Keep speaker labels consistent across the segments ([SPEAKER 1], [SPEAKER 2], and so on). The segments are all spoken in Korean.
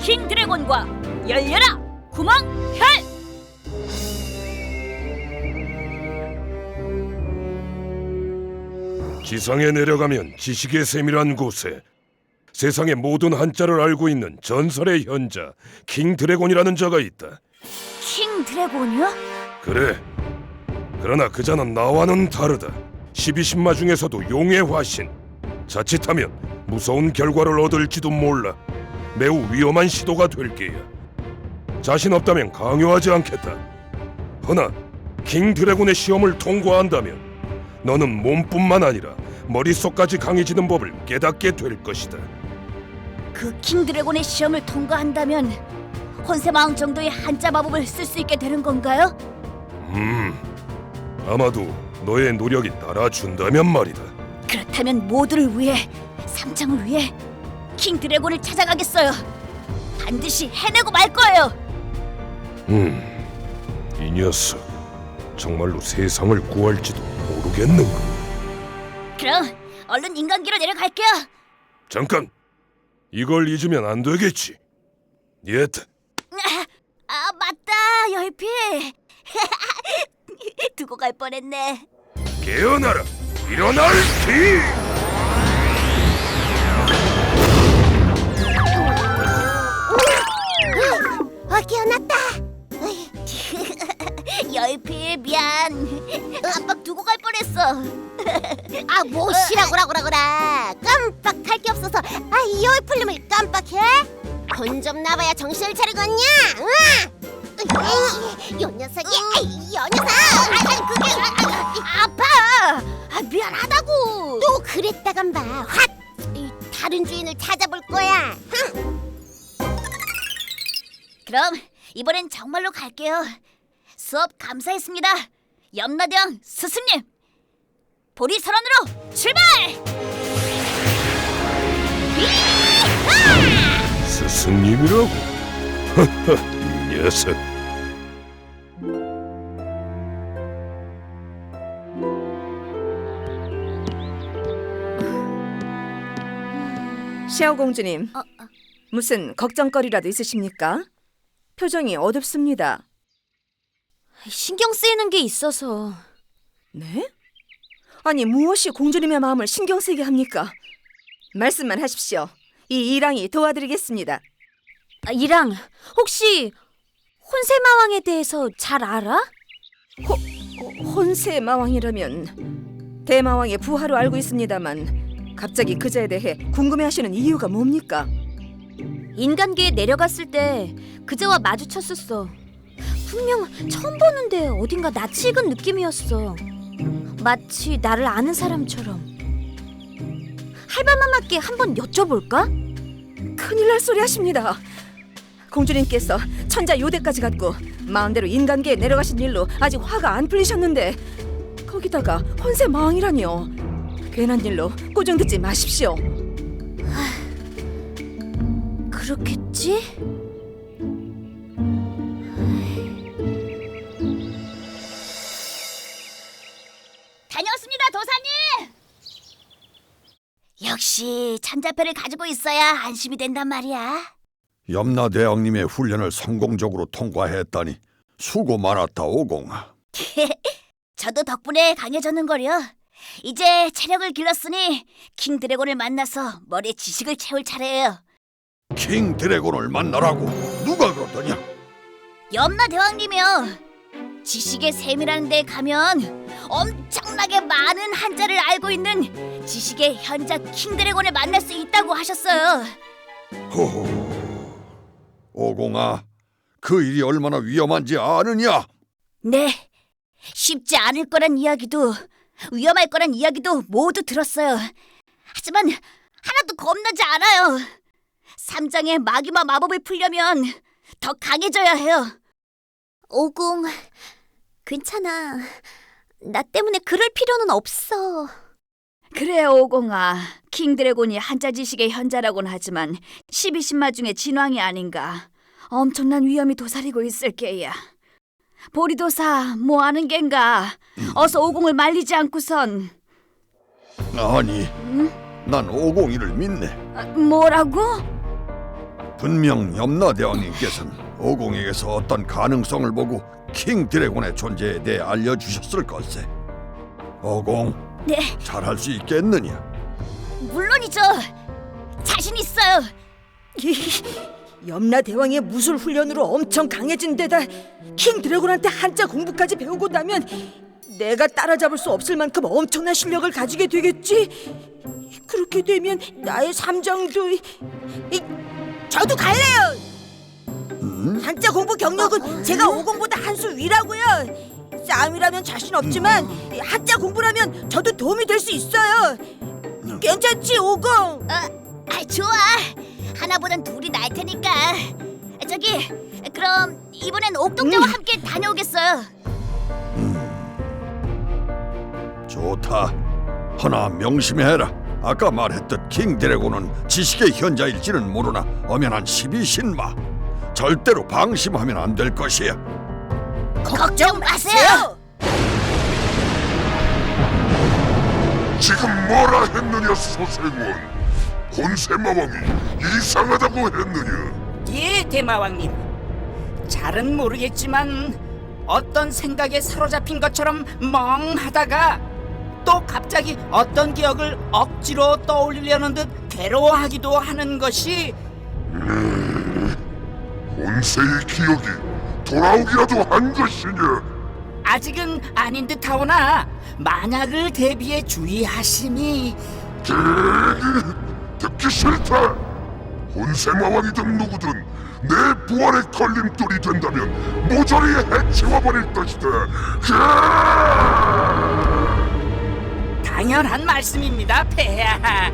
[SPEAKER 1] 킹 드래곤과 열려라 구멍혈!
[SPEAKER 2] 지상에 내려가면 지식의 샘이란 곳에 세상의 모든 한자를 알고 있는 전설의 현자 킹 드래곤이라는 자가 있다.
[SPEAKER 1] 킹 드래곤이요?
[SPEAKER 2] 그래. 그러나 그 자는 나와는 다르다. 12신마 중에서도 용의 화신. 자칫하면 무서운 결과를 얻을지도 몰라. 매우 위험한 시도가 될 게야. 자신 없다면 강요하지 않겠다. 허나 킹 드래곤의 시험을 통과한다면 너는 몸뿐만 아니라 머릿속까지 강해지는 법을 깨닫게 될 것이다.
[SPEAKER 1] 그 킹 드래곤의 시험을 통과한다면 혼세마왕 정도의 한자 마법을 쓸 수 있게 되는 건가요?
[SPEAKER 2] 아마도 너의 노력이 따라준다면 말이다.
[SPEAKER 1] 그렇다면 모두를 위해, 삼장을 위해 킹 드래곤을 찾아가겠어요. 반드시 해내고 말 거예요.
[SPEAKER 2] 이 녀석 정말로 세상을 구할지도 모르겠는가.
[SPEAKER 1] 그럼 얼른 인간기로 내려갈게요.
[SPEAKER 2] 잠깐! 이걸 잊으면 안 되겠지. 예트.
[SPEAKER 1] 아 맞다, 열피. 두고 갈 뻔했네.
[SPEAKER 2] 깨어나라! 일어날 기!
[SPEAKER 3] 깨어났다.
[SPEAKER 1] 열피 미안. 깜빡 두고 갈 뻔했어.
[SPEAKER 3] 뭐 시라고라. 깜빡할 게 없어서 이 열풀림을 깜빡해? 돈 좀 나봐야 정신을 차리겠냐? 요 녀석이, 요 녀석! 그게
[SPEAKER 1] 아파. 미안하다고.
[SPEAKER 3] 또 그랬다간 봐. 확! 다른 주인을 찾아볼 거야.
[SPEAKER 1] 그럼 이번엔 정말로 갈게요. 수업 감사했습니다. 염라대왕 스승님. 보리설원으로 출발!
[SPEAKER 2] 스승님이라고? 이 녀석.
[SPEAKER 4] 시아오 공주님, 무슨 걱정거리라도 있으십니까? 표정이 어둡습니다.
[SPEAKER 1] 신경 쓰이는 게 있어서.
[SPEAKER 4] 네? 아니 무엇이 공주님의 마음을 신경 쓰이게 합니까? 말씀만 하십시오. 이 이랑이 도와드리겠습니다.
[SPEAKER 1] 이랑, 혹시 혼세마왕에 대해서 잘 알아?
[SPEAKER 4] 혼세 마왕이라면 대마왕의 부하로 알고 있습니다만 갑자기 그자에 대해 궁금해하시는 이유가 뭡니까?
[SPEAKER 1] 인간계에 내려갔을 때 그자와 마주쳤었어. 분명 처음 보는데 어딘가 낯이 익은 느낌이었어. 마치 나를 아는 사람처럼. 할바마마께 한번 여쭤볼까?
[SPEAKER 4] 큰일 날 소리 하십니다. 공주님께서 천자 요대까지 갔고 마음대로 인간계에 내려가신 일로 아직 화가 안 풀리셨는데 거기다가 혼세 마왕이라뇨. 괜한 일로 꾸중 듣지 마십시오.
[SPEAKER 1] 그렇겠지? 다녀왔습니다, 도사님! 역시 천자패를 가지고 있어야 안심이 된단 말이야.
[SPEAKER 5] 염라대왕님의 훈련을 성공적으로 통과했다니 수고 많았다, 오공아.
[SPEAKER 1] 저도 덕분에 강해졌는걸요. 이제 체력을 길렀으니 킹 드래곤을 만나서 머리에 지식을 채울 차례예요.
[SPEAKER 5] 킹 드래곤을 만나라고 누가 그러더냐?
[SPEAKER 1] 염라대왕님이요. 지식의 샘이라는 데 가면 엄청나게 많은 한자를 알고 있는 지식의 현자 킹 드래곤을 만날 수 있다고 하셨어요.
[SPEAKER 5] 호호, 오공아, 그 일이 얼마나 위험한지 아느냐?
[SPEAKER 1] 네, 쉽지 않을 거란 이야기도 위험할 거란 이야기도 모두 들었어요. 하지만 하나도 겁나지 않아요. 삼장의 마귀마 마법을 풀려면 더 강해져야 해요. 오공, 괜찮아. 나 때문에 그럴 필요는 없어. 그래, 오공아. 킹 드래곤이 한자 지식의 현자라고는 하지만 12신마 중에 진왕이 아닌가. 엄청난 위험이 도사리고 있을 게야. 보리도사, 뭐 하는 겐가? 어서 오공을 말리지 않고선.
[SPEAKER 5] 아니, 난 오공이를 믿네.
[SPEAKER 1] 뭐라고?
[SPEAKER 5] 분명 염라대왕님께서는 오공에게서 어떤 가능성을 보고 킹 드래곤의 존재에 대해 알려주셨을 걸세. 오공,
[SPEAKER 1] 네,
[SPEAKER 5] 잘할 수 있겠느냐?
[SPEAKER 1] 물론이죠. 자신 있어요.
[SPEAKER 4] 염라 대왕의 무술 훈련으로 엄청 강해진 데다 킹 드래곤한테 한자 공부까지 배우고 나면 내가 따라잡을 수 없을 만큼 엄청난 실력을 가지게 되겠지. 그렇게 되면 나의 삼장도 저도 갈래요. 한자 공부 경력은 제가 오공보다 한 수 위라고요. 싸움이라면 자신 없지만 한자 공부라면 저도 도움이 될 수 있어요. 괜찮지, 오공?
[SPEAKER 1] 좋아. 하나보단 둘이 나을 테니까. 저기, 그럼 이번엔 옥동자와 함께 다녀오겠어요.
[SPEAKER 5] 좋다. 허나 명심해라. 아까 말했듯 킹 드래곤은 지식의 현자일지는 모르나 엄연한 12신마. 절대로 방심하면 안 될 것이야.
[SPEAKER 1] 걱정 마세요.
[SPEAKER 2] 지금 뭐라 했느냐 소생원? 혼세마왕이 이상하다고 했느냐?
[SPEAKER 6] 예, 대마왕님. 잘은 모르겠지만 어떤 생각에 사로잡힌 것처럼 멍하다가 또 갑자기 어떤 기억을 억지로 떠올리려는 듯 괴로워하기도 하는 것이
[SPEAKER 2] 혼세의 기억이 돌아오기라도 한 것이냐?
[SPEAKER 6] 아직은 아닌 듯하오나 만약을 대비해 주의하심이.
[SPEAKER 2] 듣기 싫다. 혼세마왕이든 누구든 내 부활의 걸림돌이 된다면 모조리 해치워버릴 것이다.
[SPEAKER 6] 당연한 말씀입니다, 폐하.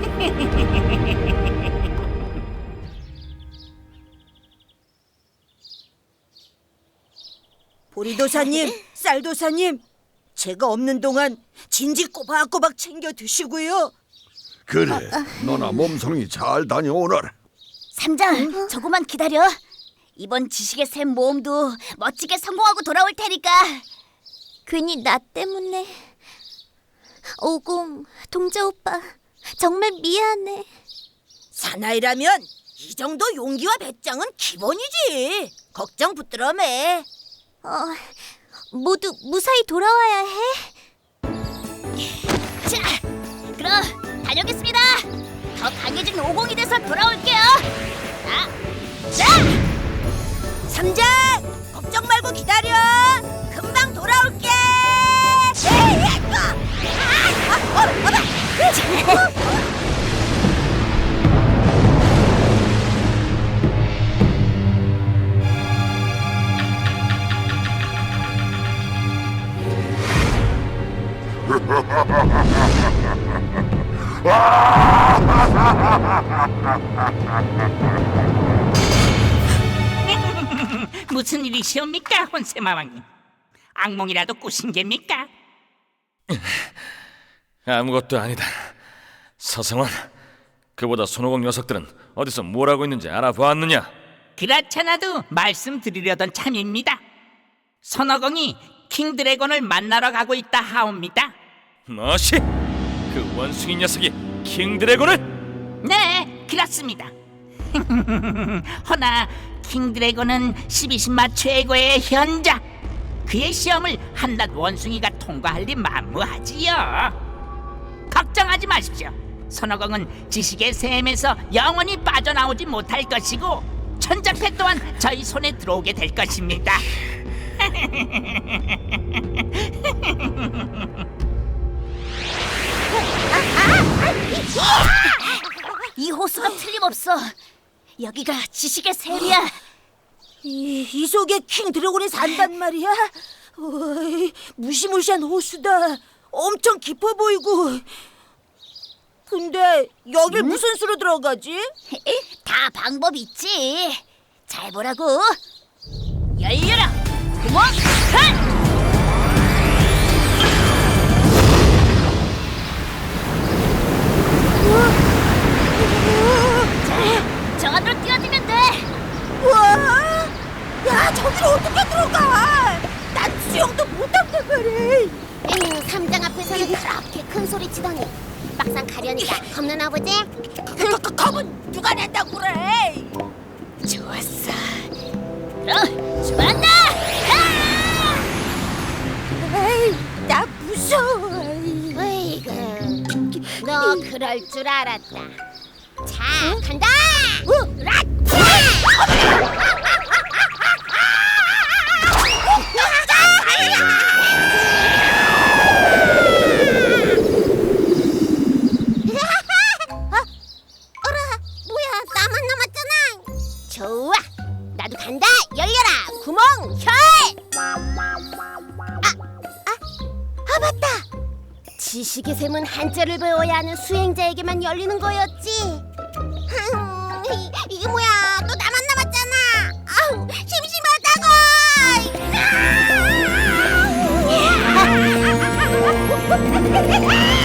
[SPEAKER 4] 보리도사님, 쌀도사님, 제가 없는 동안 진지 꼬박꼬박 챙겨 드시고요.
[SPEAKER 5] 그래, 너나 몸성이 잘 다녀오너라.
[SPEAKER 1] 삼장, 조금만 기다려. 이번 지식의 샘 모험도 멋지게 성공하고 돌아올 테니까.
[SPEAKER 3] 괜히 나 때문에. 오공, 동자 오빠, 정말 미안해.
[SPEAKER 4] 사나이라면 이 정도 용기와 배짱은 기본이지. 걱정 붙들어 매.
[SPEAKER 3] 모두 무사히 돌아와야 해.
[SPEAKER 1] 자, 그럼 다녀오겠습니다. 더 강해진 오공이 돼서 돌아올게요. 자,
[SPEAKER 4] 삼장, 걱정 말고 기다려. 금방 돌아올게.
[SPEAKER 6] 무슨 일이시옵니까, 혼세마왕님? 악몽이라도 꾸신 geb니까?
[SPEAKER 7] 아무것도 아니다. 서성원, 그보다 손오공 녀석들은 어디서 뭘 하고 있는지 알아보았느냐?
[SPEAKER 6] 그렇잖아도 말씀드리려던 참입니다. 선어공이 킹 드래곤을 만나러 가고 있다 하옵니다.
[SPEAKER 7] 뭐시? 그 원숭이 녀석이 킹 드래곤을?
[SPEAKER 6] 네, 그렇습니다. 허나 킹 드래곤은 12신마 최고의 현자. 그의 시험을 한낱 원숭이가 통과할 리 만무하지요. 걱정하지 마십시오. 선어공은 지식의 샘에서 영원히 빠져나오지 못할 것이고 천장패 또한 저희 손에 들어오게 될 것입니다.
[SPEAKER 1] 이 호수가 틀림없어. 여기가 지식의 샘이야.
[SPEAKER 4] 이 속에 킹 드래곤이 산단 말이야. 어이, 무시무시한 호수다. 엄청 깊어 보이고. 근데 여길 무슨 수로 들어가지?
[SPEAKER 1] 다 방법 있지. 잘 보라고. 열려라. 구멍 한. 저 안으로 뛰어들면 돼.
[SPEAKER 4] 우와! 야, 저기로 어떻게 들어가? 난 수영도 못한단 말이야.
[SPEAKER 3] 삼장 앞에서는 그렇게 큰 소리 치더니 막상 가려니까 겁나 보지?
[SPEAKER 4] 겁은 누가 낸다고 그래?
[SPEAKER 1] 좋았어. 그럼 출발한다.
[SPEAKER 3] 에이, 나 무서워. 으이그, 너 그럴 줄 알았다. 자, 간다. 어라, 뭐야? 나만 남았잖아. 좋아, 나도 간다. 열려라, 구멍 혈. 아 맞다. 지식의 샘은 한자를 배워야 하는 수행자에게만 열리는 거였지. 이게 뭐야? 또 나만 남았잖아. 아우, 심심하다고.